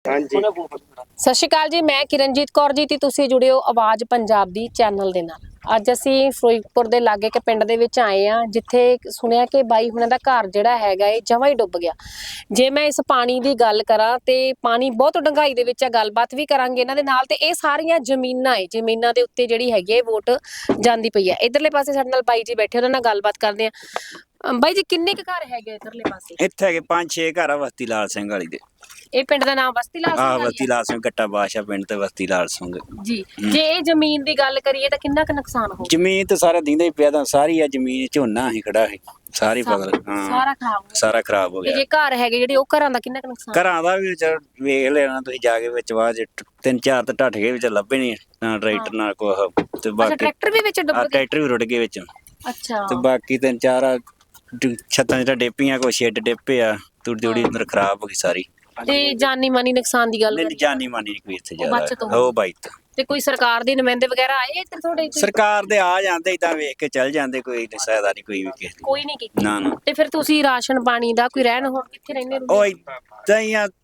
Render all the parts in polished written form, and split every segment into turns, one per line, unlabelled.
ਹਾਂਜੀ
ਸਤਿ ਸ਼੍ਰੀ ਅਕਾਲ ਜੀ, ਮੈਂ ਕਿਰਨਜੀਤ ਕੌਰ ਜੀ ਤੇ ਤੁਸੀਂ ਜੁੜੇ ਹੋ ਆਵਾਜ਼ ਪੰਜਾਬ ਦੀ ਚੈਨਲ ਦੇ ਨਾਲ। ਅੱਜ ਅਸੀਂ ਫਿਰੋਜ਼ਪੁਰ ਦੇ ਲਾਗੇ ਕੇ ਪਿੰਡ ਦੇ ਵਿੱਚ ਆਏ ਆ, ਜਿੱਥੇ ਸੁਣਿਆ ਕਿ ਬਾਈ ਹੁਣਾਂ ਦਾ ਘਰ ਜਿਹੜਾ ਹੈਗਾ ਇਹ ਜਮਾਂ ਹੀ ਡੁੱਬ ਗਿਆ। ਜੇ ਮੈਂ ਇਸ ਪਾਣੀ ਦੀ ਗੱਲ ਕਰਾਂ ਤੇ ਪਾਣੀ ਬਹੁਤ ਡੂੰਘਾਈ ਦੇ ਵਿੱਚ ਆ, ਗੱਲਬਾਤ ਵੀ ਕਰਾਂਗੇ ਇਹਨਾਂ ਦੇ ਨਾਲ। ਤੇ ਇਹ ਸਾਰੀਆਂ ਜ਼ਮੀਨਾਂ ਦੇ ਉੱਤੇ ਜਿਹੜੀ ਹੈਗੀ ਹੈ ਵੋਟ ਜਾਂਦੀ ਪਈ ਹੈ। ਇਧਰਲੇ ਪਾਸੇ ਸਾਡੇ ਨਾਲ ਬਾਈ ਜੀ ਬੈਠੇ, ਉਹਨਾਂ ਨਾਲ ਗੱਲਬਾਤ ਕਰਦੇ ਆ। ਬਾਈ ਜੀ, ਕਿੰਨੇ ਕੁ ਘਰ ਹੈਗੇ ਇਧਰਲੇ ਪਾਸੇ?
ਇੱਥੇ ਹੈਗੇ 5-6 ਘਰ ਆ ਬਸਤੀ ਲਾਲ ਸਿੰਘ ਵਾਲੀ ਦੇ।
ਇਹ ਪਿੰਡ ਦਾ ਨਾਮ ਬਸਤੀ ਲਾਲ ਸਿੰਘ ਵਾਲੀ
ਬਸਤੀ ਲਾਲ ਸਿੰਘ ਗੱਟਾ ਬਾਦਸ਼ਾਹ ਪਿੰਡ ਤੇ ਬਸਤੀ ਲਾਲ ਸਿੰਘ
ਜੀ। ਜੇ ਇਹ ਜ਼ਮੀਨ ਦੀ ਗੱਲ ਕਰੀਏ ਤਾਂ ਕਿੰਨਾ ਕੁ ਨੁਕਸਾਨ ਹੋ ਗਿਆ?
ਜ਼ਮੀਨ ਤੇ ਸਾਰਾ ਦਿੰਦਾ ਹੀ ਪਿਆ ਤਾਂ ਸਾਰੀ ਆ ਜ਼ਮੀਨ, ਝੋਨਾ ਹੀ ਖੜਾ ਹੈ ਸਾਰੀ ਫਸਲ।
ਸਾਰਾ ਖਰਾਬ ਹੋ ਗਿਆ।
ਸਾਰਾ ਖਰਾਬ ਹੋ
ਤੇ
ਗਿਆ।
ਜੇ ਘਰ ਹੈਗੇ ਜਿਹੜੇ, ਉਹ ਘਰਾਂ ਦਾ ਕਿੰਨਾ ਕੁ ਨੁਕਸਾਨ?
ਘਰਾਂ ਦਾ ਵੀ ਵੇਖ ਲੈਣਾ ਤੁਸੀਂ ਜਾ ਕੇ, ਵਿੱਚ ਬਾਅਦ 3-4 ਤਾਂ ਢੱਠ ਗਏ, ਵਿੱਚ ਲੱਭੇ ਨਹੀਂ ਨਾ ਟਰੈਕਟਰ ਨਾਲ ਕੁਛ। ਤੇ ਬਾਕੀ
ਟਰੈਕਟਰ ਵੀ ਵਿੱਚ ਡੁੱਬ ਗਏ?
ਟਰੈਕਟਰ ਵੀ ਰੁੜ ਗਏ ਵਿੱਚ।
ਅੱਛਾ।
ਤੇ ਬਾਕੀ 3-4 ਛੱਤਾਂ ਜਿਹੜਾ ਡੇਪੀਆਂ, ਕੋਈ ਸ਼ੈੱਡ ਡੇਪੇ ਆ, ਤੂੜੀ ਅੰਦਰ ਖਰਾਬ ਹੋ ਗਈ ਸਾਰੀ।
ਤੇ ਜਾਨੀ ਮਾਨੀ ਨੁਕਸਾਨ ਦੀ ਗੱਲ
ਨਹੀਂ,
ਕਰੀਏ?
ਜਾਨੀ ਮਾਨੀ ਨਹੀਂ ਕੋਈ ਇੱਥੇ
ਬਚਤ
ਜ਼ਿਆਦਾ। ਉਹ ਬਾਈਤ
ਤੇ ਕੋਈ ਸਰਕਾਰ ਦੇ ਨੁਮਾਇੰਦੇ ਵਗੈਰਾ ਆਏ ਇੱਧਰ ਤੁਹਾਡੇ?
ਸਰਕਾਰ ਦੇ ਆ ਜਾਂਦੇ, ਇਦਾਂ ਵੇਖ ਕੇ ਚੱਲ ਜਾਂਦੇ, ਕੋਈ ਸਹਾਇਤਾ ਨਹੀਂ ਕੋਈ ਵੀ ਕਿਸੇ ਦੀ।
ਕੋਈ ਨਹੀਂ ਕੀਤੀ?
ਨਾ।
ਤੇ ਫਿਰ ਤੁਸੀਂ ਰਾਸ਼ਨ ਪਾਣੀ ਦਾ ਕੋਈ ਰਹਿਣ ਹੋਰ ਕਿੱਥੇ ਰਹਿੰਦੇ ਹੋ?
ਉਹ ਇਦਾਂ ਹੀ ਆ,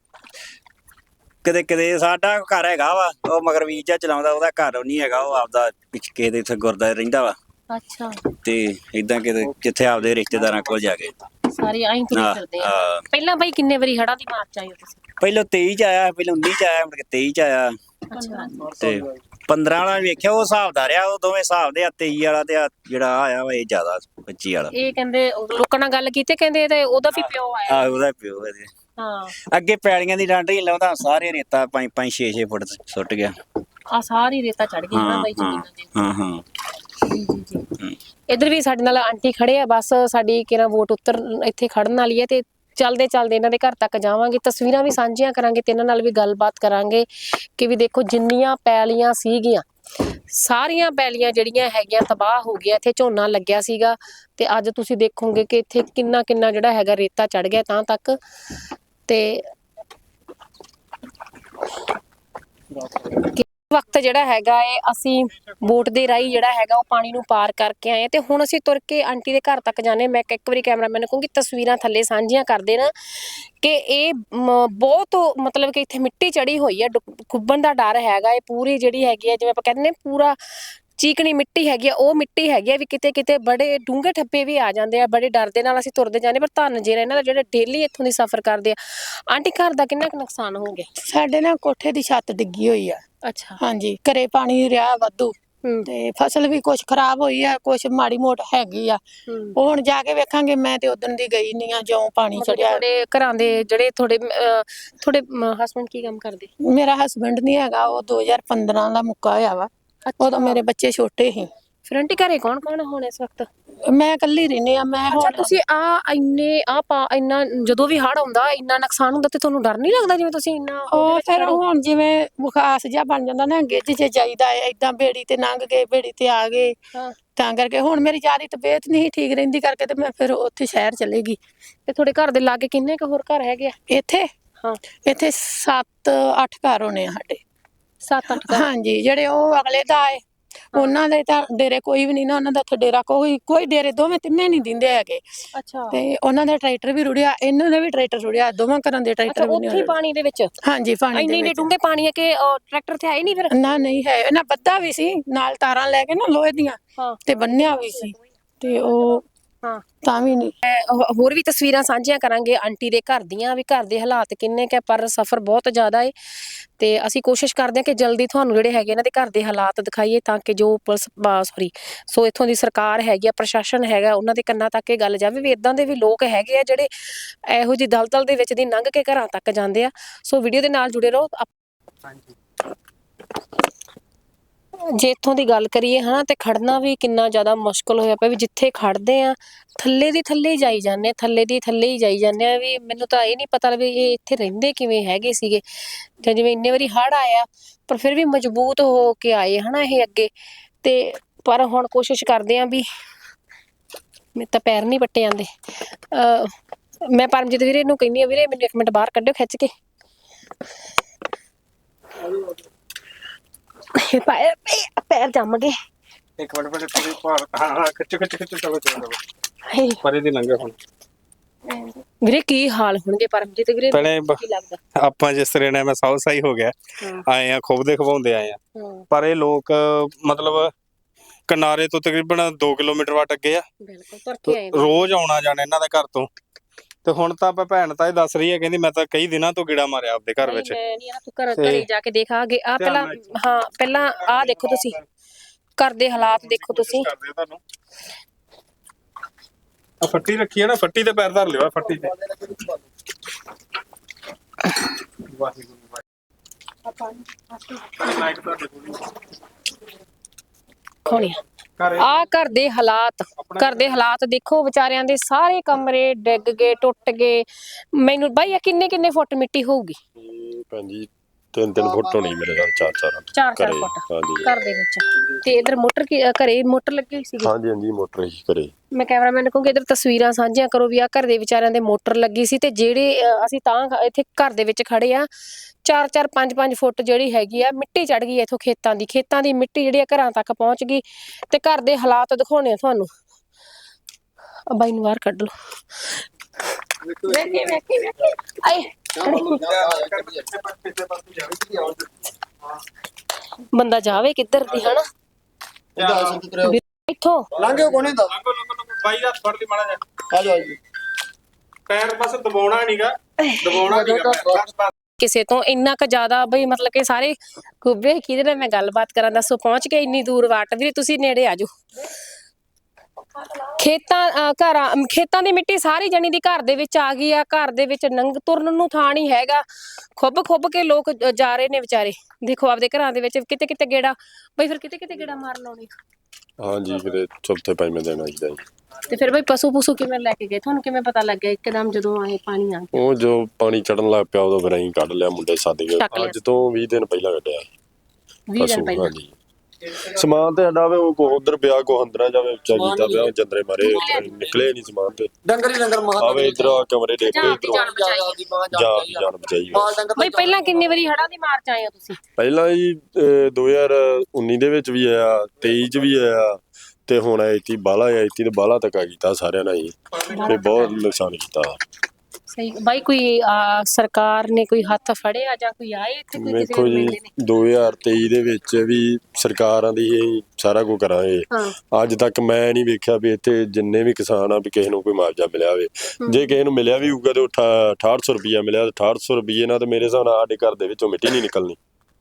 ਕਦੇ ਸਾਡਾ ਘਰ ਹੈਗਾ ਵਾ, ਉਹ ਮਗਰ ਵੀਜ਼ਾ ਚਲਾਉਂਦਾ, ਉਹਦਾ ਘਰ ਨਹੀਂ ਹੈਗਾ, ਉਹ ਆਪਦਾ ਕਿਸੇ ਦੇ ਇੱਥੇ ਗੁਰਦੁਆਰੇ ਰਹਿੰਦਾ ਵਾ।
ਅੱਛਾ।
ਤੇ ਇਦਾਂ ਕਿਤੇ ਜਿੱਥੇ ਆਪਦੇ ਰਿਸ਼ਤੇਦਾਰਾਂ ਕੋਲ ਜਾ ਕੇ
ਸਾਰੇ ਆਈ ਤੁਰੇ ਫਿਰਦੇ ਆ। ਪਹਿਲਾਂ ਬਾਈ ਕਿੰਨੇ ਵਾਰੀ ਹੜ੍ਹਾਂ ਦੀ ਮਾਰ ਚ ਆਏ ਹੋ ਤੁਸੀਂ?
ਪਹਿਲਾਂ 23 ਚ ਆਇਆ, ਪਹਿਲਾਂ 19 ਚ ਆਇਆ, ਮੁੜ ਕੇ 23 ਚ ਆਇਆ।
ਅੱਛਾ।
ਤੇ 15 ਵਾਲਾ ਵੇਖਿਆ, ਉਹ ਹਿਸਾਬ ਦਾ ਰਿਹਾ, ਉਹ ਦੋਵੇਂ ਹਿਸਾਬ ਦੇ ਆ। 23 ਵਾਲਾ ਤੇ ਜਿਹੜਾ ਆਇਆ ਵਾ ਇਹ ਜ਼ਿਆਦਾ, 25 ਵਾਲਾ।
ਇਹ ਕਹਿੰਦੇ ਲੋਕਾਂ ਨਾਲ ਗੱਲ ਕੀਤੀ, ਕਹਿੰਦੇ ਤੇ ਉਹਦਾ ਵੀ ਪਿਓ ਆਇਆ।
ਉਹਦਾ ਪਿਓ ਇਹਦੇ।
ਹਾਂ।
ਅੱਗੇ ਪੈਲੀਆਂ ਦੀ ਡਾਂਡਰੀ ਲਾਉਂਦਾ, ਸਾਰੇ ਰੇਤਾ 5-5 6-6 ਫੁੱਟ ਸੁੱਟ ਗਿਆ।
ਆ ਸਾਰੀ ਰੇਤਾ ਚੜ ਗਈ ਨਾ ਬਾਈ ਜ਼ਮੀਨਾਂ ਦੇ।
ਹਾਂ।
ਜੀ। ਇੱਧਰ ਵੀ ਸਾਡੇ ਨਾਲ ਆਂਟੀ ਖੜੇ ਆ, ਬਸ ਸਾਡੀ ਕਿਹੜਾ ਵੋਟ ਉੱਤਰ ਇੱਥੇ ਖੜਨ ਵਾਲੀ ਹੈ। ਤੇ ਚਲਦੇ ਇਹਨਾਂ ਦੇ ਘਰ ਤੱਕ ਜਾਵਾਂਗੇ, ਤਸਵੀਰਾਂ ਵੀ ਸਾਂਝੀਆਂ ਕਰਾਂਗੇ ਤੇ ਇਹਨਾਂ ਨਾਲ ਵੀ ਗੱਲਬਾਤ ਕਰਾਂਗੇ ਕਿ ਵੀ ਦੇਖੋ ਜਿੰਨੀਆਂ ਪੈਲੀਆਂ ਸੀਗੀਆਂ, ਸਾਰੀਆਂ ਪੈਲੀਆਂ ਜਿਹੜੀਆਂ ਹੈਗੀਆਂ ਤਬਾਹ ਹੋ ਗਿਆ। ਇੱਥੇ ਝੋਨਾ ਲੱਗਿਆ ਸੀਗਾ ਤੇ ਅੱਜ ਤੁਸੀਂ ਦੇਖੋਗੇ ਕਿ ਇੱਥੇ ਕਿੰਨਾ ਜਿਹੜਾ ਹੈਗਾ ਰੇਤਾ ਚੜ ਗਿਆ ਤਾਂ ਤੱਕ। ਤੇ ਵਕਤ ਜਿਹੜਾ ਹੈਗਾ ਏ, ਅਸੀਂ ਬੋਟ ਦੇ ਰਾਹੀਂ ਜਿਹੜਾ ਹੈਗਾ ਉਹ ਪਾਣੀ ਨੂੰ ਪਾਰ ਕਰਕੇ ਆਏ ਤੇ ਹੁਣ ਅਸੀਂ ਤੁਰ ਕੇ ਆਂਟੀ ਦੇ ਘਰ ਤੱਕ ਜਾਣੇ। ਮੈਂ ਇੱਕ ਵਾਰੀ ਕੈਮਰਾਮੈਨ ਨੂੰ ਕਹੂੰਗੀ ਤਸਵੀਰਾਂ ਥੱਲੇ ਸਾਂਝੀਆਂ ਕਰ ਦੇਣਾ ਕਿ ਇਹ ਬਹੁਤ ਮਤਲਬ ਕਿ ਇੱਥੇ ਮਿੱਟੀ ਚੜੀ ਹੋਈ ਹੈ, ਡੁੱਬਣ ਦਾ ਡਰ ਹੈਗਾ। ਇਹ ਪੂਰੀ ਜਿਹੜੀ ਹੈਗੀ ਹੈ, ਜਿਵੇਂ ਆਪਾਂ ਕਹਿੰਦੇ ਨੇ ਪੂਰਾ ਚੀਕਣੀ ਮਿੱਟੀ ਹੈਗੀ ਆ, ਉਹ ਮਿੱਟੀ ਹੈਗੀ ਆ ਵੀ ਕਿਤੇ ਬੜੇ ਡੂੰਘੇ ਠੱਪੇ ਵੀ ਆ ਜਾਂਦੇ ਆ। ਬੜੇ ਡਰ ਦੇ ਨਾਲ ਅਸੀਂ ਤੁਰਦੇ ਜਾਂਦੇ, ਪਰ ਧੰਨ ਜਿਹੜਾ ਇਹਨਾਂ ਦਾ ਜਿਹੜੇ ਡੇਲੀ ਇੱਥੋਂ ਦੀ ਸਫ਼ਰ ਕਰਦੇ ਆ। ਆਂਟੀ, ਘਰ ਦਾ ਕਿੰਨਾ ਕੁ ਨੁਕਸਾਨ ਹੋ ਗਿਆ?
ਸਾਡੇ ਨਾ ਕੋਠੇ ਦੀ ਛੱਤ ਡਿੱਗੀ ਹੋਈ ਆ।
ਅੱਛਾ।
ਹਾਂਜੀ, ਘਰੇ ਪਾਣੀ ਰਿਹਾ ਵਾਧੂ ਤੇ ਫਸਲ ਵੀ ਕੁਛ ਖਰਾਬ ਹੋਈ ਆ, ਕੁਛ ਮਾੜੀ ਮੋਟ ਹੈਗੀ ਆ। ਉਹ ਹੁਣ ਜਾ ਕੇ ਵੇਖਾਂਗੇ। ਮੈਂ ਤੇ ਉਦਣ ਦੀ ਗਈ ਨਹੀਂ ਆ ਜਿਉਂ ਪਾਣੀ ਚੜਿਆ।
ਤੁਹਾਡੇ ਘਰਾਂ ਦੇ ਜਿਹੜੇ ਤੁਹਾਡੇ ਹਸਬੰਡ ਕੀ ਕੰਮ ਕਰਦੇ?
ਮੇਰਾ ਹਸਬੰਡ ਨਹੀਂ ਹੈਗਾ, ਉਹ 2015 ਦਾ ਮੁੱਕਾ ਹੋਇਆ ਵਾ। ਉਦੋਂ ਮੇਰੇ ਬੱਚੇ ਛੋਟੇ ਸੀ।
ਫਿਰ ਆਂਟੀ ਘਰੇ ਕੌਣ ਹੁਣ ਇਸ ਵਕਤ?
ਮੈਂ ਇਕੱਲੀ ਰਹਿੰਦੀ ਆ। ਮੈਂ
ਅੱਛਾ, ਤੁਸੀਂ ਇੰਨਾ ਜਦੋਂ ਵੀ ਹੜ੍ਹ ਆਉਂਦਾ, ਇੰਨਾ ਨੁਕਸਾਨ ਹੁੰਦਾ ਤੇ ਤੁਹਾਨੂੰ ਡਰ ਨਹੀਂ ਲੱਗਦਾ? ਜਿਵੇਂ ਤੁਸੀਂ ਇੰਨਾ
ਉਹ ਫਿਰ ਹੁਣ ਜਿਵੇਂ ਬੁਖਾਸ ਜਿਹਾ ਬਣ ਜਾਂਦਾ ਨਾ, ਗਿੱਝ ਜੇ ਜਾਈਦਾ ਏਦਾਂ, ਬੇੜੀ ਤੇ ਲੰਘ ਗਏ, ਬੇੜੀ ਤੇ ਆ ਗਏ। ਤਾਂ ਕਰਕੇ ਹੁਣ ਮੇਰੀ ਜ਼ਿਆਦਾ ਤਬੀਅਤ ਨਹੀਂ ਠੀਕ ਰਹਿੰਦੀ ਕਰਕੇ ਤੇ ਮੈਂ ਫਿਰ ਉੱਥੇ ਸ਼ਹਿਰ ਚਲੇ ਗਈ।
ਤੇ ਤੁਹਾਡੇ ਘਰ ਦੇ ਲਾਗੇ ਕਿੰਨੇ ਕੁ ਹੋਰ ਘਰ ਹੈਗੇ ਆ
ਇੱਥੇ?
ਹਾਂ, ਇੱਥੇ
7-8 ਘਰ ਹੋਣੇ ਆ ਸਾਡੇ।
7-8 ਘਰ?
ਹਾਂਜੀ, ਜਿਹੜੇ ਉਹ ਅਗਲੇ ਦਾ ਏ ਉਹਨਾਂ ਦੇ ਤਾਂ ਡੇਰੇ ਕੋਈ ਵੀ ਨਹੀਂ ਨਾ, ਉਹਨਾਂ ਦਾ ਇੱਥੇ ਡੇਰਾ ਕੋਈ ਡੇਰੇ ਦੋਵੇਂ ਤਿੰਨੇ ਨਹੀਂ ਦਿੰਦੇ ਹੈਗੇ।
ਅੱਛਾ। ਤੇ
ਉਹਨਾਂ ਦਾ ਟਰੈਕਟਰ ਵੀ ਰੁੜਿਆ, ਇਹਨਾਂ ਦਾ ਵੀ ਟਰੈਕਟਰ ਰੁੜਿਆ, ਦੋਵਾਂ ਘਰਾਂ ਦੇ ਟਰੈਕਟਰ ਵੀ
ਉੱਥੇ ਪਾਣੀ ਦੇ ਵਿੱਚ?
ਹਾਂਜੀ, ਪਾਣੀ ਦੇ
ਇੰਨੇ
ਵਿੱਚ।
ਡੂੰਘੇ ਪਾਣੀ ਹੈ ਕਿ ਟਰੈਕਟਰ ਤੇ ਆਏ ਨਹੀਂ ਫਿਰ?
ਨਾ, ਨਹੀਂ ਹੈ। ਇਹਨਾਂ ਬੱਧਾ ਵੀ ਸੀ ਨਾਲ, ਤਾਰਾਂ ਲੈ ਕੇ ਨਾ ਲੋਹੇ ਦੀਆਂ, ਤੇ ਬੰਨਿਆ ਵੀ ਸੀ ਤੇ ਉਹ ਤਾਂ ਵੀ ਨਹੀਂ।
ਹੋਰ ਵੀ ਤਸਵੀਰਾਂ ਸਾਂਝੀਆਂ ਕਰਾਂਗੇ ਆਂਟੀ ਦੇ ਘਰ ਦੀਆਂ, ਵੀ ਘਰ ਦੇ ਹਾਲਾਤ ਕਿੰਨੇ ਕੁ, ਪਰ ਸਫ਼ਰ ਬਹੁਤ ਜ਼ਿਆਦਾ ਏ। ਤੇ ਅਸੀਂ ਕੋਸ਼ਿਸ਼ ਕਰਦੇ ਹਾਂ ਕਿ ਜਲਦੀ ਤੁਹਾਨੂੰ ਜਿਹੜੇ ਹੈਗੇ ਇਹਨਾਂ ਦੇ ਘਰ ਦੇ ਹਾਲਾਤ ਦਿਖਾਈਏ, ਤਾਂ ਕਿ ਜੋ ਸੋ ਇੱਥੋਂ ਦੀ ਸਰਕਾਰ ਹੈਗੀ ਆ, ਪ੍ਰਸ਼ਾਸਨ ਹੈਗਾ, ਉਹਨਾਂ ਦੇ ਕੰਨਾਂ ਤੱਕ ਇਹ ਗੱਲ ਜਾਵੇ ਵੀ ਇਦਾਂ ਦੇ ਵੀ ਲੋਕ ਹੈਗੇ ਆ ਜਿਹੜੇ ਇਹੋ ਜਿਹੀ ਦਲਦਲ ਦੇ ਵਿੱਚ ਦੀ ਲੰਘ ਕੇ ਘਰਾਂ ਤੱਕ ਜਾਂਦੇ ਆ। ਸੋ ਵੀਡੀਓ ਦੇ ਨਾਲ ਜੁੜੇ ਰਹੋ। ਜੇ ਇੱਥੋਂ ਦੀ ਗੱਲ ਕਰੀਏ ਤੇ ਖੜਨਾ ਵੀ ਕਿੰਨਾ ਜ਼ਿਆਦਾ ਮੁਸ਼ਕਲ ਹੋਇਆ ਪਿਆ। ਵੀ ਜਿੱਥੇ ਖੜਦੇ ਆ ਥੱਲੇ ਹੀ ਜਾਈ ਜਾਂਦੇ ਆ, ਥੱਲੇ ਹੀ ਜਾਈ ਜਾਂਦੇ ਆ। ਵੀ ਮੈਨੂੰ ਤਾਂ ਇਹ ਨਹੀਂ ਪਤਾ ਵੀ ਇਹ ਇੱਥੇ ਰਹਿੰਦੇ ਕਿਵੇਂ ਹੈਗੇ ਸੀਗੇ, ਜਾਂ ਜਿਵੇਂ ਇੰਨੇ ਵਾਰੀ ਹੜ੍ਹ ਆਇਆ ਪਰ ਫਿਰ ਵੀ ਮਜ਼ਬੂਤ ਹੋ ਕੇ ਆਏ ਇਹ ਅੱਗੇ। ਤੇ ਪਰ ਹੁਣ ਕੋਸ਼ਿਸ਼ ਕਰਦੇ ਆ ਵੀ, ਮੇਰੇ ਤਾਂ ਪੈਰ ਨਹੀਂ ਪੱਟੇ ਜਾਂਦੇ। ਮੈਂ ਪਰਮਜੀਤ ਵੀਰੇ ਨੂੰ ਕਹਿੰਦੀ ਆ, ਵੀਰੇ ਮੈਨੂੰ 1 ਮਿੰਟ ਬਾਹਰ ਕੱਢਿਓ ਖਿੱਚ ਕੇ। ਪੈਰ ਜੰਮ ਗਏ।
ਇੱਕ ਮਿੰਟ ਤੁਸੀਂ ਹਾਂ ਖਿੱਚ ਚਲੋ ਪਰੇ ਦੀ ਲੰਘੇ ਹੁਣ।
ਵੀਰੇ ਕੀ ਹਾਲ ਹੋਣਗੇ ਪਰਮਜੀਤ ਵੀਰੇ,
ਪਹਿਲੇ
ਕੀ ਲੱਗਦਾ?
ਆਪਾਂ ਜਿਸ ਤਰ੍ਹਾਂ ਨੇ ਮੈਂ ਸਾਊ ਸਾਈ ਹੋ ਗਿਆ
ਹਾਂ
ਆਏ ਆ ਖੁੱਬਦੇ ਖਵਾਉਂਦੇ ਆਏ ਆ,
ਹਾਂ
ਪਰ ਇਹ ਲੋਕ ਮਤਲਬ ਕਿਨਾਰੇ ਤੋਂ ਤਕਰੀਬਨ 2 ਕਿਲੋਮੀਟਰ ਵੱਟ ਅੱਗੇ ਆ,
ਬਿਲਕੁਲ ਤੁਰ ਕੇ ਆਏ
ਰੋਜ਼ ਆਉਣਾ ਜਾਣਾ ਇਹਨਾਂ ਦੇ ਘਰ ਤੋਂ। ਤੇ ਹੁਣ ਤਾਂ ਆਪਾਂ ਭੈਣ ਤਾਂ ਇਹ ਦੱਸ ਰਹੀ ਹੈ, ਕਹਿੰਦੀ ਮੈਂ ਤਾਂ ਕਈ ਦਿਨਾਂ ਤੋਂ ਗੇੜਾ ਮਾਰਿਆ ਆਪਦੇ ਘਰ ਵਿੱਚ।
ਮੈਂ ਨਹੀਂ ਆ, ਤੂੰ ਘਰੇ ਜਾ ਕੇ ਦੇਖਾਂਗੇ ਆ ਪਹਿਲਾਂ। ਹਾਂ ਪਹਿਲਾਂ ਆ ਦੇਖੋ ਤੁਸੀਂ ਘਰ ਦੇ ਹਾਲਾਤ ਦੇਖੋ ਤੁਸੀਂ।
ਤੁਹਾਨੂੰ ਆ ਫੱਟੀ ਰੱਖੀ ਹੈ ਨਾ, ਫੱਟੀ ਤੇ ਪੈਰ ਧਰ ਲਿਓ, ਫੱਟੀ ਤੇ।
ਆ ਘਰ ਦੇ ਹਾਲਾਤ ਦੇਖੋ ਵਿਚਾਰਿਆਂ ਦੇ, ਸਾਰੇ ਕਮਰੇ ਡਿੱਗ ਗਏ, ਟੁੱਟ ਗਏ। ਮੈਨੂੰ ਬਾਈ ਆ ਕਿੰਨੇ ਫੁੱਟ ਮਿੱਟੀ ਹੋਊਗੀ?
ਭੈਣ ਜੀ 3 ਫੁੱਟ ਹੋਣੀ ਮੇਰੇ ਨਾਲ, 4
ਫੁੱਟ
ਹਾਂਜੀ
ਘਰ ਦੇ ਵਿੱਚ। ਤੇ ਇਧਰ ਮੋਟਰ ਘਰੇ ਮੋਟਰ ਲੱਗੀ ਹੋਈ ਸੀਗੀ।
ਹਾਂਜੀ ਮੋਟਰ ਹੀ ਕਰੇ।
ਮੈਂ ਕੈਮਰਾਮੈਨ ਨੂੰ ਕਹੂੰਗੀ ਇਧਰ ਤਸਵੀਰਾਂ ਸਾਂਝੀਆਂ ਕਰੋ ਵੀ ਆ ਘਰ ਦੇ ਵਿਚਾਰਿਆਂ ਦੇ ਮੋਟਰ ਲੱਗੀ ਸੀ। ਤੇ ਜਿਹੜੇ ਅਸੀਂ ਤਾਂ ਇੱਥੇ ਘਰ ਦੇ ਵਿੱਚ ਖੜੇ ਆ, 4 5 ਫੁੱਟ ਜਿਹੜੀ ਹੈਗੀ ਆ ਮਿੱਟੀ ਚੜ ਗਈ ਇਥੋਂ ਖੇਤਾਂ ਦੀ ਮਿੱਟੀ ਜਿਹੜੀ ਆ ਘਰਾਂ ਤੱਕ ਪਹੁੰਚ ਗਈ। ਤੇ ਘਰ ਦੇ ਹਾਲਾਤ ਦਿਖਾਉਣੇ ਆ ਤੁਹਾਨੂੰ। ਬਾਈ ਨੂੰ ਬਾਹਰ ਕੱਢ ਲਓ। ਵੇਖੀ ਆਏ ਬੰਦਾ ਜਾਵੇ ਕਿੱਧਰ ਦੀ, ਹਨਾ ਇੱਥੋਂ
ਲੰਘਿਓ ਕੋਨੇ ਦਾ
ਬਾਈ ਦਾ ਫੜ ਲਈ ਮਾੜਾ ਜਿਹਾ,
ਆ ਜਾਓ ਜੀ।
ਪੈਰ ਬਸ ਦਬਾਉਣਾ ਨਹੀਂਗਾ।
ਕਿਸੇ ਤੋਂ ਇੰਨਾ ਕੁ ਜ਼ਿਆਦਾ ਬਈ ਮਤਲਬ ਕਿ ਸਾਰੇ ਕੁੱਬੇ ਕਿਹਦੇ ਨਾਲ ਮੈਂ ਗੱਲਬਾਤ ਕਰਾਂ, ਦੱਸੋ ਪਹੁੰਚ ਕੇ ਇੰਨੀ ਦੂਰ ਵਾਟ। ਵੀਰੇ ਤੁਸੀਂ ਨੇੜੇ ਆ ਜਾਓ। ਖੇਤਾਂ ਦੀ ਮਿੱਟੀ ਸਾਰੀ ਜਣੀ ਦੀ ਘਰ ਦੇ ਵਿੱਚ ਆ ਗਈ ਆ। ਘਰ ਦੇ ਵਿੱਚ ਤੁਰਨ ਨੂੰ ਥਾਂ ਨਹੀਂ ਹੈਗਾ। ਖੁੱਬ ਕੇ ਲੋਕ ਜਾ ਰਹੇ ਨੇ ਵਿਚਾਰੇ। ਦੇਖੋ ਆਪਦੇ ਘਰਾਂ ਦੇ ਵਿੱਚ ਕਿਤੇ ਗੇੜਾ ਬਈ, ਫਿਰ ਕਿਤੇ ਗੇੜਾ ਮਾਰ ਲਾਉਣੀ।
ਹਾਂਜੀ ਕਿਤੇ ਚੌਥੇ ਪੰਜਵੇਂ ਦਿਨ ਆਈਦਾ ਜੀ।
ਤੇ ਫਿਰ ਬਈ ਪਸ਼ੂ ਕਿਵੇਂ ਲੈ ਕੇ ਗਏ? ਤੁਹਾਨੂੰ ਕਿਵੇਂ ਪਤਾ ਲੱਗਿਆ ਇੱਕਦਮ ਜਦੋਂ ਆਏ ਪਾਣੀ ਆ ਗਿਆ?
ਉਹ ਜੋ ਪਾਣੀ ਚੜਨ ਲੱਗ ਪਿਆ ਉਦੋਂ ਫਿਰ ਅਸੀਂ ਕੱਢ ਲਿਆ, ਮੁੰਡੇ ਸੱਦ ਕੇ। ਅੱਜ ਤੋਂ 20 ਦਿਨ ਪਹਿਲਾਂ ਕੱਢਿਆ
20 ਦਿਨ ਪਹਿਲਾਂ।
ਹਾਂਜੀ ਸਮਾਨ ਤੇ ਸਾਡਾ ਉਹ ਉਧਰ ਪਿਆ, ਕੋ ਅੰਦਰਾਂ ਜਾਵੇ ਉੱਚਾ ਕੀਤਾ ਪਿਆ, ਜੰਦਰੇ ਮਾਰੇ ਨਿਕਲੇ ਨਹੀਂ ਸਮਾਨ ਤੇ।
ਡੰਗਰ ਮਹਾਂ
ਆਵੇ ਇਧਰ ਆ ਕਮਰੇ ਦੇ
ਜਾਨ
ਬਚਾਈ।
ਬਈ ਪਹਿਲਾਂ ਕਿੰਨੀ ਵਾਰੀ ਹੜ੍ਹਾਂ ਦੀ ਮਾਰ ਚ ਆਏ ਹੋ ਤੁਸੀਂ?
ਪਹਿਲਾਂ ਜੀ 2019 ਦੇ ਵਿੱਚ ਵੀ ਆਇਆ, 23 ਚ ਵੀ ਆਇਆ, ਤੇ ਹੁਣ ਇੱਥੇ ਬਾਲਾ ਆਇਆ। ਇੱਥੇ ਤੇ ਬਾਲਾ ਤੱਕ ਆ ਕੀਤਾ ਸਾਰਿਆਂ ਨਾਲ ਹੀ, ਤੇ ਬਹੁਤ ਨੁਕਸਾਨ ਕੀਤਾ।
ਸਹੀ ਬਾਈ, ਕੋਈ ਸਰਕਾਰ ਨੇ ਕੋਈ ਹੱਥ ਫੜਿਆ ਜਾਂ ਕੋਈ ਆਏ ਇੱਥੇ? ਕੋਈ ਕਿਸੇ
ਵੇਖੋ ਜੀ 2023 ਦੇ ਵਿੱਚ ਵੀ ਸਰਕਾਰਾਂ ਦੀ ਇਹ ਸਾਰਾ ਕੁਝ ਕਰਾਂਗੇ। ਅੱਜ ਤੱਕ ਮੈਂ ਨਹੀਂ ਵੇਖਿਆ ਵੀ ਇੱਥੇ ਜਿੰਨੇ ਵੀ ਕਿਸਾਨ ਆ ਵੀ ਕਿਸੇ ਨੂੰ ਕੋਈ ਮੁਆਵਜ਼ਾ ਮਿਲਿਆ ਹੋਵੇ। ਜੇ ਕਿਸੇ ਨੂੰ ਮਿਲਿਆ ਵੀ ਹੋਊਗਾ ਤੇ 6800 ਰੁਪਇਆ ਮਿਲਿਆ। 6800 ਰੁਪਏ ਨਾਲ ਤੇ ਮੇਰੇ ਹਿਸਾਬ ਨਾਲ ਸਾਡੇ ਘਰ ਦੇ ਵਿੱਚੋਂ ਮਿੱਟੀ ਨਹੀਂ ਨਿਕਲਣੀ।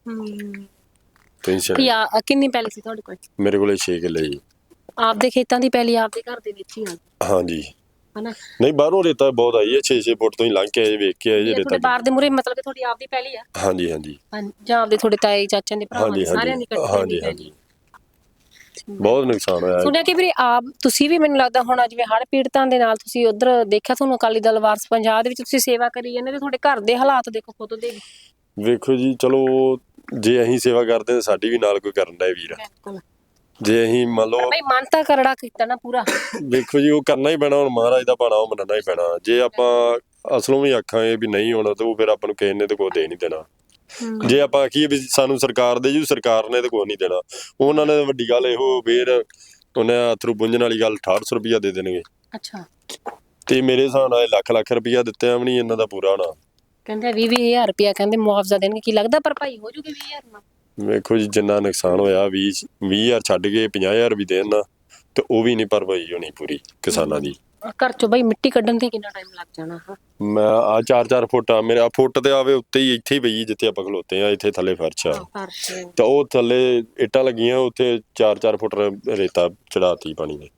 ਕਿੰਨੀ ਪੈਲੀ ਸੀ ਤੁਹਾਡੇ ਕੋਲ?
ਮੇਰੇ ਕੋਲੇ 6 ਕਿੱਲੇ ਜੀ।
ਆਪਦੇ ਖੇਤਾਂ ਦੀ ਪੈਲੀ ਆਪਦੇ ਘਰ ਦੇ ਵਿੱਚ ਹੀ ਆ?
ਹਾਂਜੀ
ਹਨਾ।
ਨਹੀਂ ਬਾਹਰੋਂ ਰੇਤਾ ਬਹੁਤ ਆਈ ਹੈ, 6 ਫੁੱਟ ਤੋਂ ਹੀ ਲੰਘ ਕੇ ਆਏ, ਵੇਖ ਕੇ ਆਏ ਰੇਤਾ।
ਬਾਹਰ ਦੇ ਮੂਰੇ ਮਤਲਬ ਕਿ ਤੁਹਾਡੀ ਆਪਦੀ ਪੈਲੀ ਆ?
ਹਾਂਜੀ
ਜਾਂ ਆਪਦੇ ਤੁਹਾਡੇ ਤਾਏ ਚਾਚਿਆਂ ਦੇ ਭਰਾਵਾਂ ਦੇ, ਸਾਰਿਆਂ ਦੀ ਇਕੱਠੀ?
ਹਾਂਜੀ ਬਹੁਤ ਨੁਕਸਾਨ ਹੋਇਆ।
ਸੁਣਿਆ ਕਿ ਵੀਰੇ ਆਪ ਤੁਸੀਂ ਵੀ, ਮੈਨੂੰ ਲੱਗਦਾ ਹੁਣ ਜਿਵੇਂ ਹੜ੍ਹ ਪੀੜਤਾਂ ਦੇ ਨਾਲ ਤੁਸੀਂ ਉਧਰ ਦੇਖਿਆ, ਤੁਹਾਨੂੰ ਅਕਾਲੀ ਦਲ ਵਾਰਸ ਪੰਜਾਬ ਦੇ ਵਿੱਚ ਤੁਸੀਂ ਸੇਵਾ ਕਰੀ ਜਾਂਦੇ, ਤੇ ਤੁਹਾਡੇ ਘਰ ਦੇ ਹਾਲਾਤ ਦੇਖੋ ਖੁਦ ਦੇ।
ਵੇਖੋ ਜੀ ਚਲੋ ਜੇ ਅਸੀਂ ਸੇਵਾ ਕਰਦੇ ਤਾਂ ਸਾਡੀ ਵੀ ਨਾਲ ਕੋਈ ਕਰਨ ਦਾ ਵੀਰ। ਜੇ ਅਸੀਂ ਮੰਨ ਲਓ
ਬਈ ਮਨ ਤਾਂ ਕਰੜਾ ਕੀਤਾ ਨਾ ਪੂਰਾ।
ਵੇਖੋ ਜੀ ਉਹ ਕਰਨਾ ਹੀ ਪੈਣਾ, ਹੁਣ ਮਹਾਰਾਜ ਦਾ ਬਾਣਾ ਉਹ ਮੰਨਣਾ ਹੀ ਪੈਣਾ। ਜੇ ਆਪਾਂ ਅਸਲੋਂ ਵੀ ਆਖਾਂਗੇ ਵੀ ਨਹੀਂ ਹੋਣਾ ਤੇ ਉਹ ਫਿਰ ਆਪਾਂ ਨੂੰ ਕਿਸੇ ਨੇ ਤੇ ਕੋਈ ਦੇ ਨਹੀਂ ਦੇਣਾ। ਜੇ ਆਪਾਂ ਆਖੀਏ ਵੀ ਸਾਨੂੰ ਸਰਕਾਰ ਦੇ ਜੂ, ਸਰਕਾਰ ਨੇ ਤੇ ਕੋਈ ਨਹੀਂ ਦੇਣਾ। ਉਹਨਾਂ ਨੇ ਵੱਡੀ ਗੱਲ ਇਹੋ ਫੇਰ ਉਹਨੇ ਅਥਰੂ ਪੁੰਜਣ ਵਾਲੀ ਗੱਲ 6800 ਰੁਪਇਆ ਦੇ ਦੇਣਗੇ।
ਅੱਛਾ।
ਤੇ ਮੇਰੇ ਹਿਸਾਬ ਨਾਲ ਲੱਖ ਰੁਪਇਆ ਦਿੱਤੇ ਵੀ ਨਹੀਂ ਇਹਨਾਂ ਦਾ ਪੂਰਾ ਹੋਣਾ।
ਕਹਿੰਦੇ 20,000 ਰੁਪਇਆ ਕਹਿੰਦੇ ਮੁਆਵਜ਼ਾ ਦੇਣਗੇ। ਕੀ ਲੱਗਦਾ ਭਰਪਾਈ ਹੋ ਜੂਗੀ 20,000 ਨਾਲ?
ਵੇਖੋ ਜੀ ਜਿੰਨਾ ਨੁਕਸਾਨ ਹੋਇਆ 20,000 ਛੱਡ ਕੇ 50,000 ਵੀ ਦੇਣ ਨਾ ਤੇ ਉਹ ਵੀ ਨਹੀਂ ਭਰਪਾਈ ਹੋਣੀ ਪੂਰੀ ਕਿਸਾਨਾਂ ਦੀ।
ਘਰ ਚੋਂ ਬਈ ਮਿੱਟੀ ਕੱਢਣ ਤੇ ਕਿੰਨਾ ਟਾਈਮ ਲੱਗ ਜਾਣਾ?
ਮੈਂ ਆ 4 ਫੁੱਟ ਆ ਮੇਰੇ, ਫੁੱਟ ਤੇ ਆਵੇ ਉੱਤੇ ਹੀ, ਇੱਥੇ ਹੀ ਪਈ ਜਿੱਥੇ ਆਪਾਂ ਖਲੋਤੇ ਆ, ਇੱਥੇ ਥੱਲੇ ਫਰਸ਼ ਆ ਤੇ ਉਹ ਥੱਲੇ ਇੱਟਾਂ ਲੱਗੀਆਂ, ਉੱਥੇ 4 ਫੁੱਟ ਰੇਤਾ ਚੜਾਤੀ ਪਾਣੀ ਨੇ।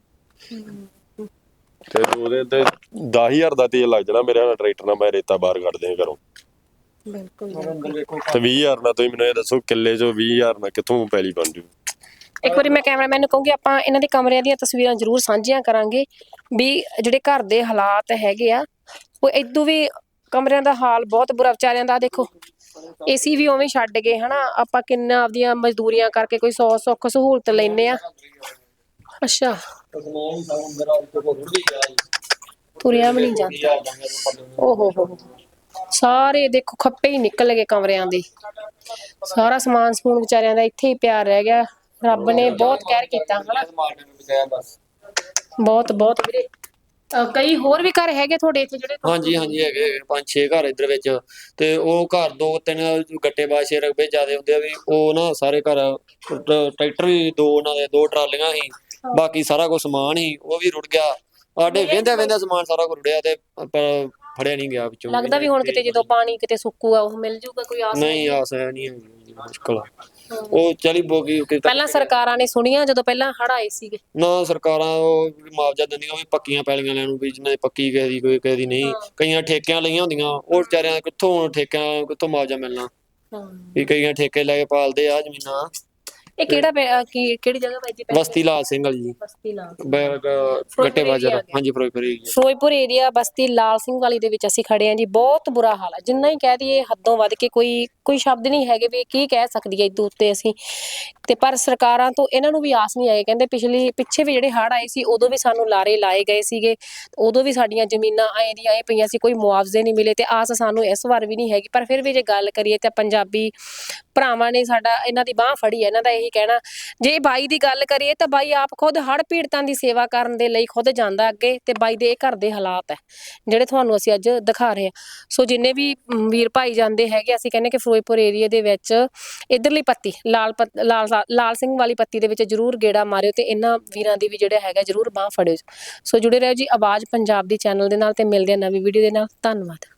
ਤੇ ਉਹਦੇ ਤੇ 10,000 ਦਾ ਤੇਲ ਲੱਗ ਜਾਣਾ ਮੇਰੇ ਨਾਲ, ਟਰੈਕਟਰ ਨਾਲ ਮੈਂ ਰੇਤਾ ਬਾਹਰ ਕੱਢਦੇ ਘਰੋਂ।
ਬਿਲਕੁਲ।
ਤੇ 20,000 ਨਾਲ ਤੁਸੀਂ ਮੈਨੂੰ ਇਹ ਦੱਸੋ ਕਿੱਲੇ ਚੋਂ 20,000 ਨਾਲ ਕਿੱਥੋਂ ਪੈਲੀ ਬਣ ਜੂ?
ਇੱਕ ਵਾਰੀ ਮੈਂ ਕੈਮਰਾਮੈਨ ਨੂੰ ਕਹੂੰਗੀ ਆਪਾਂ ਇਹਨਾਂ ਦੇ ਕਮਰਿਆਂ ਦੀਆਂ ਤਸਵੀਰਾਂ ਜ਼ਰੂਰ ਸਾਂਝੀਆਂ ਕਰਾਂਗੇ ਵੀ ਜਿਹੜੇ ਘਰ ਦੇ ਹਾਲਾਤ ਹੈਗੇ ਆ ਉਹ ਇਦੋਂ ਵੀ ਕਮਰਿਆਂ ਦਾ ਹਾਲ ਬਹੁਤ ਬੁਰਾ ਵਿਚਾਰਿਆਂ ਦਾ। ਦੇਖੋ ਏਸੀ ਵੀ ਉਵੇਂ ਛੱਡ ਗਏ, ਹਨਾ। ਆਪਾਂ ਕਿੰਨਾ ਆਪਦੀਆਂ ਮਜ਼ਦੂਰੀਆਂ ਕਰਕੇ ਕੋਈ 100 ਸੁੱਖ ਸਹੂਲਤ ਲੈਨੇ ਆ। ਅੱਛਾ ਤੁਰਿਆ ਵੀ ਨਹੀਂ ਜਾਂਦਾ। ਓਹੋ ਹੋ ਸਾਰੇ ਦੇਖੋ ਖੱਪੇ ਹੀ ਨਿਕਲ ਗਏ ਕਮਰਿਆਂ ਦੇ। ਸਾਰਾ ਸਮਾਨ ਸਮੂਨ ਵਿਚਾਰਿਆਂ ਦਾ ਇੱਥੇ ਹੀ ਪਿਆ ਰਹਿ ਗਿਆ। ਰੱਬ ਨੇ ਬਹੁਤ ਕਹਿਰ ਕੀਤਾ, ਹਨਾ। ਬਹੁਤ ਵੀਰੇ ਕਈ ਹੋਰ ਵੀ ਘਰ ਹੈਗੇ ਤੁਹਾਡੇ ਇੱਥੇ ਜਿਹੜੇ
ਹਾਂਜੀ ਹਾਂਜੀ ਹੈਗੇ 5-6 ਘਰ ਇੱਧਰ ਵਿੱਚ ਤੇ ਉਹ ਘਰ 2-3 ਗੱਟੇਬਾਜ਼ ਰਕਬੇ ਜ਼ਿਆਦੇ ਹੁੰਦੇ ਆ ਵੀ ਉਹ ਨਾ ਸਾਰੇ ਘਰ ਟਰੈਕਟਰ ਵੀ 2 ਉਹਨਾਂ ਦੇ 2 ਟਰਾਲੀਆਂ ਸੀ ਬਾਕੀ ਸਾਰਾ ਕੁਝ ਸਮਾਨ ਸੀ ਉਹ ਵੀ ਰੁੜ ਗਿਆ ਸਾਡੇ ਵਹਿੰਦਿਆਂ ਸਮਾਨ ਸਾਰਾ ਕੁਝ ਰੁੜਿਆ ਤੇ ਪਰ ਫੜਿਆ ਨਹੀਂ ਗਿਆ ਵਿੱਚੋਂ
ਲੱਗਦਾ ਵੀ ਹੁਣ ਕਿਤੇ ਜਦੋਂ ਪਾਣੀ ਕਿਤੇ ਸੁੱਕੂਗਾ ਉਹ ਮਿਲ ਜੂਗਾ ਕੋਈ ਆਸ
ਨਹੀਂ ਆਸ ਹੈ ਨਹੀਂ ਮੁਸ਼ਕਲ ਉਹ ਚਲੀ ਬੋਗੀ
ਪਹਿਲਾਂ ਸਰਕਾਰਾਂ ਨੇ ਸੁਣੀਆਂ ਜਦੋਂ ਪਹਿਲਾਂ ਹੜ੍ਹ ਆਏ ਸੀਗੇ
ਨਾ ਸਰਕਾਰਾਂ ਉਹ ਮੁਆਵਜ਼ਾ ਦਿੰਦੀਆਂ ਵੀ ਪੱਕੀਆਂ ਪੈਲੀਆਂ ਲੈਣ ਨੂੰ ਵੀ ਜਿਹਨਾਂ ਦੀ ਪੱਕੀ ਕਿਸੇ ਦੀ ਕੋਈ ਕਿਸੇ ਦੀ ਨਹੀਂ ਕਈਆਂ ਠੇਕਿਆਂ ਲਈਆਂ ਹੁੰਦੀਆਂ ਉਹ ਵਿਚਾਰਿਆਂ ਕਿੱਥੋਂ ਠੇਕਿਆਂ ਕਿੱਥੋਂ ਮੁਆਵਜ਼ਾ ਮਿਲਣਾ ਵੀ ਕਈਆਂ ਠੇਕੇ ਲੈ ਕੇ ਪਾਲਦੇ ਆ ਜ਼ਮੀਨਾਂ
ਇਹ ਕਿਹੜੀ ਜਗ੍ਹਾ ਪੈ ਜੀ
ਬਸਤੀ ਲਾਲ ਸਿੰਘ ਵਾਲੀ ਜੀ
ਬਸਤੀ ਲਾਲ
ਗੱਟੇ ਬਾਜ਼ਾਰ ਹਾਂਜੀ
ਫਿਰੋਜ਼ਪੁਰ ਏਰੀਆ ਬਸਤੀ ਲਾਲ ਸਿੰਘ ਵਾਲੀ ਦੇ ਵਿੱਚ ਅਸੀਂ ਖੜੇ ਆਂ ਜੀ ਬਹੁਤ ਬੁਰਾ ਹਾਲ ਹੈ ਜਿੰਨਾ ਹੀ ਕਹਿ ਦਈਏ ਹੱਦੋਂ ਵੱਧ ਕੇ ਕੋਈ ਸ਼ਬਦ ਨਹੀਂ ਹੈਗੇ ਵੀ ਕੀ ਕਹਿ ਸਕਦੀ ਹੈ ਇਦੋਂ ਉੱਤੇ ਅਸੀਂ ਤੇ ਪਰ ਸਰਕਾਰਾਂ ਤੋਂ ਇਹਨਾਂ ਨੂੰ ਵੀ ਆਸ ਨਹੀਂ ਆਏ ਕਹਿੰਦੇ ਪਿੱਛੇ ਵੀ ਜਿਹੜੇ ਹੜ੍ਹ ਆਏ ਸੀ ਉਦੋਂ ਵੀ ਸਾਨੂੰ ਲਾਰੇ ਲਾਏ ਗਏ ਸੀਗੇ ਉਦੋਂ ਵੀ ਸਾਡੀਆਂ ਜ਼ਮੀਨਾਂ ਐਂ ਦੀਆਂ ਪਈਆਂ ਸੀ ਕੋਈ ਮੁਆਵਜ਼ੇ ਨਹੀਂ ਮਿਲੇ ਤੇ ਆਸ ਸਾਨੂੰ ਇਸ ਵਾਰ ਵੀ ਨਹੀਂ ਹੈਗੀ ਪਰ ਫਿਰ ਵੀ ਜੇ ਗੱਲ ਕਰੀਏ ਤਾਂ ਪੰਜਾਬੀ ਭਰਾਵਾਂ ਨੇ ਸਾਡਾ ਇਹਨਾਂ ਦੀ ਬਾਹ ਫੜੀ ਹੈ ਇਹਨਾਂ ਦਾ ਇਹੀ ਕਹਿਣਾ ਜੇ ਬਾਈ ਦੀ ਗੱਲ ਕਰੀਏ ਤਾਂ ਬਾਈ ਆਪ ਖੁਦ ਹੜ੍ਹ ਪੀੜਤਾਂ ਦੀ ਸੇਵਾ ਕਰਨ ਦੇ ਲਈ ਖੁਦ ਜਾਂਦਾ ਅੱਗੇ ਤੇ ਬਾਈ ਦੇ ਇਹ ਘਰ ਦੇ ਹਾਲਾਤ ਹੈ ਜਿਹੜੇ ਤੁਹਾਨੂੰ ਅਸੀਂ ਅੱਜ ਦਿਖਾ ਰਹੇ ਹਾਂ ਸੋ ਜਿੰਨੇ ਵੀ ਵੀਰ ਭਾਈ ਜਾਂਦੇ ਹੈਗੇ ਅਸੀਂ ਕਹਿੰਦੇ ਕਿ ਫਿਰੋਜ਼ਪੁਰ ਏਰੀਆ ਦੇ ਵਿੱਚ ਇਧਰਲੀ ਪੱਤੀ ਲਾਲ ਸਿੰਘ ਵਾਲੀ ਪੱਤੀ ਦੇ ਵਿੱਚ ਜਰੂਰ ਗੇੜਾ ਮਾਰਿਓ ਤੇ ਇਹਨਾਂ ਵੀਰਾਂ ਦੀ ਵੀ ਜਿਹੜਾ ਹੈਗਾ ਜਰੂਰ ਬਾਹ ਫੜਿਓ ਸੋ ਜੁੜੇ ਰਹੋ ਜੀ ਆਵਾਜ਼ ਪੰਜਾਬ ਦੀ ਚੈਨਲ ਦੇ ਨਾਲ ਤੇ ਮਿਲਦੇ ਆ ਨਵੀਂ ਵੀਡੀਓ ਦੇ ਨਾਲ ਧੰਨਵਾਦ।